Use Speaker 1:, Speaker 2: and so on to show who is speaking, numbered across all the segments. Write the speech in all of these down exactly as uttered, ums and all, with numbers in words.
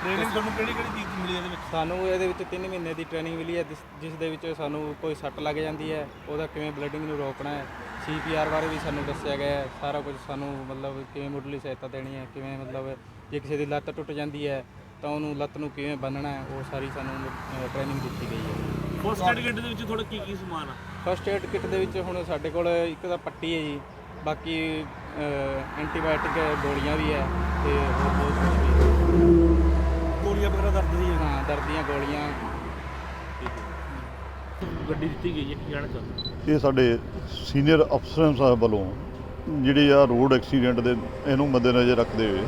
Speaker 1: Training ਤੁਹਾਨੂੰ ਕਿਹੜੀ ਕਿਹੜੀ ਚੀਜ਼ ਮਿਲੀ ਇਹਦੇ ਵਿੱਚ?
Speaker 2: ਸਾਨੂੰ ਇਹਦੇ ਵਿੱਚ ਤਿੰਨ ਮਹੀਨੇ ਦੀ ਟ੍ਰੇਨਿੰਗ ਮਿਲੀ ਹੈ, ਜਿਸ ਜਿਸ ਦੇ ਵਿੱਚ ਸਾਨੂੰ ਕੋਈ ਸੱਟ ਲੱਗ ਜਾਂਦੀ ਹੈ ਉਹਦਾ ਕਿਵੇਂ ਬਲੀਡਿੰਗ ਨੂੰ ਰੋਕਣਾ ਹੈ। ਸੀ ਪੀ ਆਰ ਬਾਰੇ ਵੀ ਸਾਨੂੰ ਦੱਸਿਆ ਗਿਆ ਹੈ। ਸਾਰਾ ਕੁਝ ਸਾਨੂੰ ਮਤਲਬ ਕਿਵੇਂ ਮੁੱਢਲੀ ਸਹਾਇਤਾ ਦੇਣੀ ਹੈ, ਕਿਵੇਂ ਮਤਲਬ ਜੇ ਕਿਸੇ ਦੀ ਲੱਤ ਟੁੱਟ ਜਾਂਦੀ ਹੈ ਤਾਂ ਉਹਨੂੰ ਲੱਤ ਨੂੰ ਕਿਵੇਂ ਬੰਨ੍ਹਣਾ ਹੈ, ਉਹ ਸਾਰੀ ਸਾਨੂੰ ਟ੍ਰੇਨਿੰਗ ਦਿੱਤੀ ਗਈ ਹੈ।
Speaker 1: ਫਸਟ ਏਡ ਕਿੱਟ ਦੇ ਵਿੱਚ ਤੁਹਾਡਾ ਕੀ ਕੀ ਸਮਾਨ ਆ?
Speaker 2: ਫਸਟ ਏਡ ਕਿੱਟ ਦੇ ਵਿੱਚ ਹੁਣ ਸਾਡੇ ਕੋਲ ਇੱਕ ਤਾਂ ਪੱਟੀ ਹੈ ਜੀ, ਬਾਕੀ ਐਂਟੀਬਾਇਓਟਿਕ ਗੋਲੀਆਂ ਵੀ ਹੈ ਤੇ ਹੋਰ ਬਹੁਤ ਕੁਝ ਵੀ।
Speaker 1: ਗੋਲੀਆਂ ਵਗੈਰਾ ਦਰਦ ਦੀਆਂ?
Speaker 2: ਹਾਂ, ਦਰਦ ਦੀਆਂ ਗੋਲੀਆਂ।
Speaker 1: ਗੱਡੀ ਦਿੱਤੀ ਗਈ ਹੈ, ਕੀ ਕਹਿਣਾ ਚਾਹੁੰਦੇ?
Speaker 3: ਇਹ ਸਾਡੇ ਸੀਨੀਅਰ ਅਫਸਰਾਂ ਸਾਹਿਬ ਵੱਲੋਂ ਜਿਹੜੀ ਆ ਰੋਡ ਐਕਸੀਡੈਂਟ ਦੇ ਇਹਨੂੰ ਮੱਦੇਨਜ਼ਰ ਰੱਖਦੇ ਹੋਏ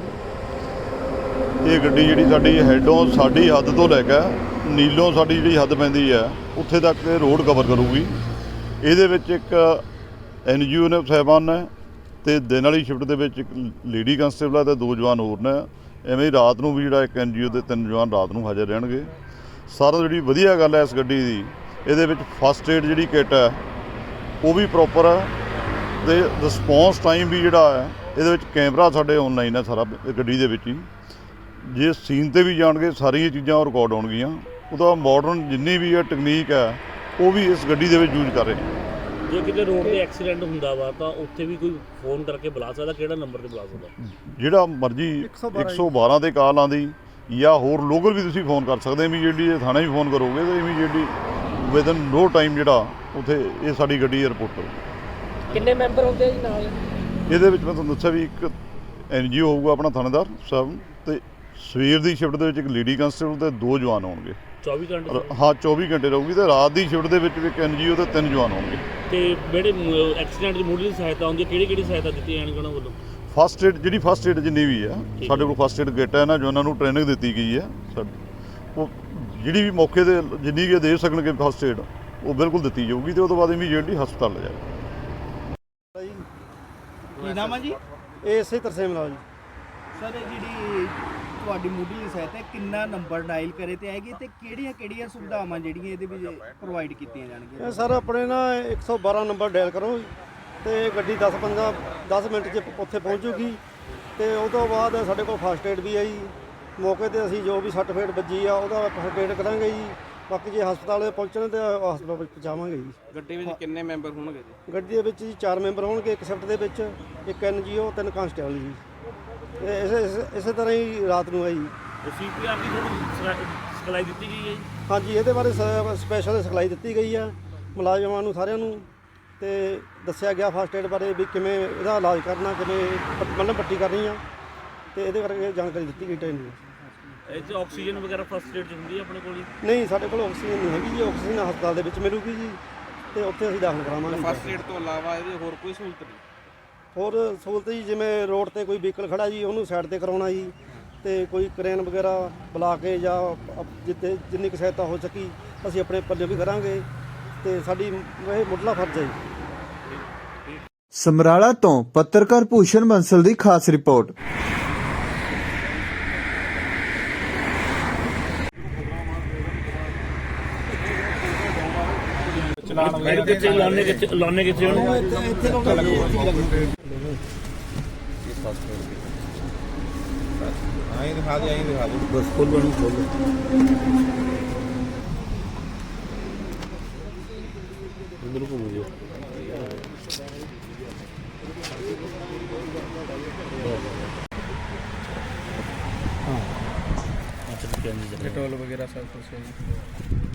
Speaker 3: ਇਹ ਗੱਡੀ ਜਿਹੜੀ ਸਾਡੀ ਹੈਡੋਂ ਸਾਡੀ ਹੱਦ ਤੋਂ ਲੈ ਕੇ ਨੀਲੋਂ ਸਾਡੀ ਜਿਹੜੀ ਹੱਦ ਪੈਂਦੀ ਹੈ ਉੱਥੇ ਤੱਕ ਇਹ ਰੋਡ ਕਵਰ ਕਰੂਗੀ। ਇਹਦੇ ਵਿੱਚ ਇੱਕ ਐਨ ਜੀ ਓ ਨੇ ਸਾਹਿਬਾਨ ਨੇ ਅਤੇ ਦਿਨ ਵਾਲੀ ਸ਼ਿਫਟ ਦੇ ਵਿੱਚ ਇੱਕ ਲੇਡੀ ਕੰਸਟੇਬਲ ਹੈ ਅਤੇ ਦੋ ਜਵਾਨ ਹੋਰ ਨੇ। ਐਵੇਂ ਹੀ ਰਾਤ ਨੂੰ ਵੀ ਜਿਹੜਾ ਇੱਕ ਐਨ ਜੀ ਓ ਦੇ ਤਿੰਨ ਜਵਾਨ ਰਾਤ ਨੂੰ ਹਾਜ਼ਰ ਰਹਿਣਗੇ। ਸਾਰਾ ਜਿਹੜੀ ਵਧੀਆ ਗੱਲ ਹੈ ਇਸ ਗੱਡੀ ਦੀ, ਇਹਦੇ ਵਿੱਚ ਫਸਟ ਏਡ ਜਿਹੜੀ ਕਿੱਟ ਹੈ ਉਹ ਵੀ ਪ੍ਰੋਪਰ ਹੈ ਅਤੇ ਰਿਸਪੌਂਸ ਟਾਈਮ ਵੀ ਜਿਹੜਾ ਹੈ ਇਹਦੇ ਵਿੱਚ ਕੈਮਰਾ ਸਾਡੇ ਔਨਲਾਈਨ ਹੈ ਸਾਰਾ ਗੱਡੀ ਦੇ ਵਿੱਚ ਹੀ। ਜੇ ਸੀਨ 'ਤੇ ਵੀ ਜਾਣਗੇ ਸਾਰੀਆਂ ਚੀਜ਼ਾਂ ਉਹ ਰਿਕਾਰਡ ਹੋਣਗੀਆਂ। ਉਹਦਾ ਮਾਡਰਨ ਜਿੰਨੀ ਵੀ ਹੈ ਟੈਕਨੀਕ ਹੈ ਉਹ ਵੀ ਇਸ ਗੱਡੀ ਦੇ ਵਿੱਚ ਯੂਜ਼ ਕਰ ਰਹੇ ਨੇ।
Speaker 1: ਜੇ ਕਿਤੇ ਰੋਡ ਤੇ ਐਕਸੀਡੈਂਟ ਹੁੰਦਾ ਵਾ ਤਾਂ ਉੱਥੇ ਵੀ ਕੋਈ ਫੋਨ ਕਰਕੇ ਬੁਲਾ ਸਕਦਾ? ਕਿਹੜਾ ਨੰਬਰ ਤੇ ਬੁਲਾ ਸਕਦਾ?
Speaker 3: ਜਿਹੜਾ ਮਰਜ਼ੀ ਇੱਕ ਸੌ ਬਾਰਾਂ 'ਤੇ ਕਾਲ ਆਉਂਦੀ ਜਾਂ ਹੋਰ ਲੋਕਲ ਵੀ ਤੁਸੀਂ ਫੋਨ ਕਰ ਸਕਦੇ। ਇਮੀਡੀਏਟਲੀ ਜੇ ਥਾਣੇ ਵੀ ਫੋਨ ਕਰੋਗੇ ਤਾਂ ਇਮੀਡੀਏਟਲੀ ਵਿਦਨ ਨੋ ਟਾਈਮ ਜਿਹੜਾ ਉੱਥੇ ਇਹ ਸਾਡੀ ਗੱਡੀ ਰਿਪੋਰਟ ਕਰੋ।
Speaker 4: ਕਿੰਨੇ ਮੈਂਬਰ ਹੁੰਦੇ ਜੀ ਨਾਲ?
Speaker 3: ਇਹਦੇ ਵਿੱਚ ਮੈਂ ਤੁਹਾਨੂੰ ਦੱਸਿਆ ਵੀ ਇੱਕ ਐਨ ਜੀ ਓ ਹੋਊਗਾ ਆਪਣਾ ਥਾਣੇਦਾਰ ਸਾਹਿਬ, ਅਤੇ ਸਵੇਰ ਦੀ ਸ਼ਿਫਟ ਦੇ ਵਿੱਚ ਇੱਕ ਲੇਡੀ ਕੰਸਟੇਬਲ ਅਤੇ ਦੋ ਜਵਾਨ ਹੋਣਗੇ।
Speaker 1: ਚੌਵੀ ਘੰਟੇ?
Speaker 3: ਹਾਂ, ਚੌਵੀ ਘੰਟੇ ਰਹੂਗੀ। ਅਤੇ ਰਾਤ ਦੀ ਸ਼ਿਫਟ ਦੇ ਵਿੱਚ ਵੀ ਇੱਕ ਐਨ ਜੀ ਓ ਅਤੇ ਤਿੰਨ ਜਵਾਨ ਹੋਣਗੇ।
Speaker 1: ਤੇ ਜਿਹੜੇ ਐਕਸੀਡੈਂਟ ਦੀ ਮੁੱਢਲੀ ਸਹਾਇਤਾ ਹੁੰਦੀ ਹੈ ਕਿਹੜੀ ਕਿਹੜੀ ਸਹਾਇਤਾ ਦਿੱਤੀ ਜਾਣੀ ਉਹਨਾਂ ਵੱਲੋਂ?
Speaker 3: ਫਸਟ ਏਡ ਜਿਹੜੀ ਫਸਟ ਏਡ ਜਿੰਨੀ ਵੀ ਆ ਸਾਡੇ ਕੋਲ ਫਸਟ ਏਡ ਕਿੱਟ ਹੈ ਨਾ, ਜੋ ਉਹਨਾਂ ਨੂੰ ਟ੍ਰੇਨਿੰਗ ਦਿੱਤੀ ਗਈ ਹੈ ਉਹ ਜਿਹੜੀ ਵੀ ਮੌਕੇ 'ਤੇ ਜਿੰਨੀ ਵੀ ਦੇ ਸਕਣਗੇ ਫਸਟ ਏਡ ਉਹ ਬਿਲਕੁਲ ਦਿੱਤੀ ਜਾਊਗੀ ਅਤੇ ਉਹ ਤੋਂ ਬਾਅਦ ਇਮੀਡੀਏਟਲੀ ਹਸਪਤਾਲ ਲੈ ਜਾਏਗਾ।
Speaker 5: ਕੀ ਨਾਮ ਹੈ ਜੀ?
Speaker 6: ਇਹ ਇਸੇ ਤਰਸੇ ਮਿਲਾ ਜੀ
Speaker 5: ਸਰ ਜਿਹੜੀ ਤੁਹਾਡੀ ਮੁੱਢਲੀ ਸਹਾਇਤਾ ਕਿੰਨਾ ਨੰਬਰ ਡਾਇਲ ਕਰੇ ਤੇ ਆਏਗੀ ਤੇ ਕਿਹੜੀਆਂ ਕਿਹੜੀਆਂ ਸੁਵਿਧਾਵਾਂ ਜਿਹੜੀਆਂ ਇਹਦੇ ਵਿੱਚ ਪ੍ਰੋਵਾਈਡ ਕੀਤੀਆਂ ਜਾਣਗੀਆਂ?
Speaker 6: ਇਹ ਸਰ ਆਪਣੇ ਨਾ ਇੱਕ ਸੌ ਬਾਰਾਂ ਨੰਬਰ ਡਾਇਲ ਕਰੋ ਤੇ ਗੱਡੀ ਦਸ ਪੰਦਰਾਂ ਦਸ ਮਿੰਟ 'ਚ ਉੱਥੇ ਪਹੁੰਚੂਗੀ। ਤੇ ਉਹ ਤੋਂ ਬਾਅਦ ਸਾਡੇ ਕੋਲ ਫਸਟ ਏਡ ਵੀ ਹੈ ਜੀ। ਮੌਕੇ 'ਤੇ ਅਸੀਂ ਜੋ ਵੀ ਸੱਟ ਫੇਟ ਵੱਜੀ ਆ ਉਹਦਾ ਫਸਟ ਏਡ ਕਰਾਂਗੇ ਜੀ। ਬਾਕੀ ਜੇ ਹਸਪਤਾਲ ਪਹੁੰਚਣ ਤੇ ਹਸਪਤਾਲ ਵਿੱਚ ਪਹੁੰਚਾਵਾਂਗੇ ਜੀ।
Speaker 2: ਗੱਡੀ ਵਿੱਚ ਕਿੰਨੇ ਮੈਂਬਰ ਹੋਣਗੇ ਜੀ?
Speaker 6: ਗੱਡੀ ਦੇ ਵਿੱਚ ਜੀ ਚਾਰ ਮੈਂਬਰ ਹੋਣਗੇ ਇੱਕ ਸ਼ਿਫਟ ਦੇ ਵਿੱਚ, ਇੱਕ ਐਨ ਜੀ ਓ, ਤਿੰਨ ਕਾਂਸਟੇਬਲ ਜੀ। ਇਹ ਇਸੇ ਇਸੇ- ਇਸੇ ਤਰ੍ਹਾਂ ਹੀ ਰਾਤ ਨੂੰ ਹੈ ਜੀ।
Speaker 1: ਸੀ ਪੀ ਆਰ ਦੀ ਤੁਹਾਨੂੰ ਸਿਖਲਾਈ ਦਿੱਤੀ ਗਈ ਹੈ ਜੀ?
Speaker 6: ਹਾਂਜੀ, ਇਹਦੇ ਬਾਰੇ ਸਪੈਸ਼ਲ ਸਿਖਲਾਈ ਦਿੱਤੀ ਗਈ ਆ ਮੁਲਾਜ਼ਮਾਂ ਨੂੰ ਸਾਰਿਆਂ ਨੂੰ, ਤੇ ਦੱਸਿਆ ਗਿਆ ਫਸਟ ਏਡ ਬਾਰੇ ਵੀ ਕਿਵੇਂ ਇਹਦਾ ਇਲਾਜ ਕਰਨਾ, ਕਿਵੇਂ ਮਤਲਬ ਪੱਟੀ ਕਰਨੀ ਆ, ਤੇ ਇਹਦੇ ਕਰਕੇ ਜਾਣਕਾਰੀ ਦਿੱਤੀ ਗਈ ਟ੍ਰੇਨਿੰਗ।
Speaker 1: ਇਹ 'ਚ ਆਕਸੀਜਨ ਵਗੈਰਾ ਫਸਟ ਏਡ 'ਚ ਹੁੰਦੀ ਹੈ ਆਪਣੇ ਕੋਲ ਜੀ?
Speaker 6: ਨਹੀਂ, ਸਾਡੇ ਕੋਲ ਆਕਸੀਜਨ ਨਹੀਂ ਹੈਗੀ ਜੀ। ਆਕਸੀਜਨ ਹਸਪਤਾਲ ਦੇ ਵਿੱਚ ਮਿਲੂਗੀ ਜੀ ਤੇ ਉੱਥੇ ਅਸੀਂ ਦਾਖਲ ਕਰਾਵਾਂਗੇ।
Speaker 2: ਫਸਟ ਏਡ ਤੋਂ ਇਲਾਵਾ ਇਹਦੀ ਹੋਰ ਕੋਈ ਸਹੂਲਤ ਨਹੀਂ?
Speaker 6: ਹੋਰ ਸਹੂਲਤ ਜੀ, ਜਿਵੇਂ ਰੋਡ ਤੇ ਕੋਈ ਵਹੀਕਲ ਖੜਾ ਜੀ ਉਹਨੂੰ ਸਾਈਡ ਤੇ ਕਰਾਉਣਾ ਜੀ, ਤੇ ਕੋਈ ਕਰੇਨ ਵਗੈਰਾ ਬੁਲਾ ਕੇ ਜਾਂ ਜਿੱਥੇ ਜਿੰਨੀ ਕੁ ਸਹਾਇਤਾ ਹੋ ਸਕੀ ਅਸੀਂ ਆਪਣੇ ਪੱਲੇ ਵੀ ਕਰਾਂਗੇ, ਤੇ ਸਾਡੀ ਇਹ ਮੁੱਢਲਾ ਫਰਜ਼ ਹੈ ਜੀ।
Speaker 7: ਸਮਰਾਲਾ ਤੋਂ ਪੱਤਰਕਾਰ ਭੂਸ਼ਣ ਬੰਸਲ ਦੀ ਖਾਸ ਰਿਪੋਰਟ।
Speaker 1: ਕਿੱਥੇ ਲਾਉਣੇ ਕਿੱਥੇ ਲਾਉਣੇ ਕਿੱਥੇ ਉਹਨੂੰ?
Speaker 5: ਇੱਥੇ ਲੋਕ
Speaker 2: ਆਈ ਦਿਖਾ ਦੇ ਆਈ ਦਿਖਾ ਦੇ
Speaker 1: ਬਸ ਖੋਲ ਬਣ ਖੋਲ ਅੰਦਰ ਕੋ ਮੁਝੇ ਹਾਂ ਅੱਛਾ,
Speaker 2: पेट्रोल वगैरह सब कुछ है।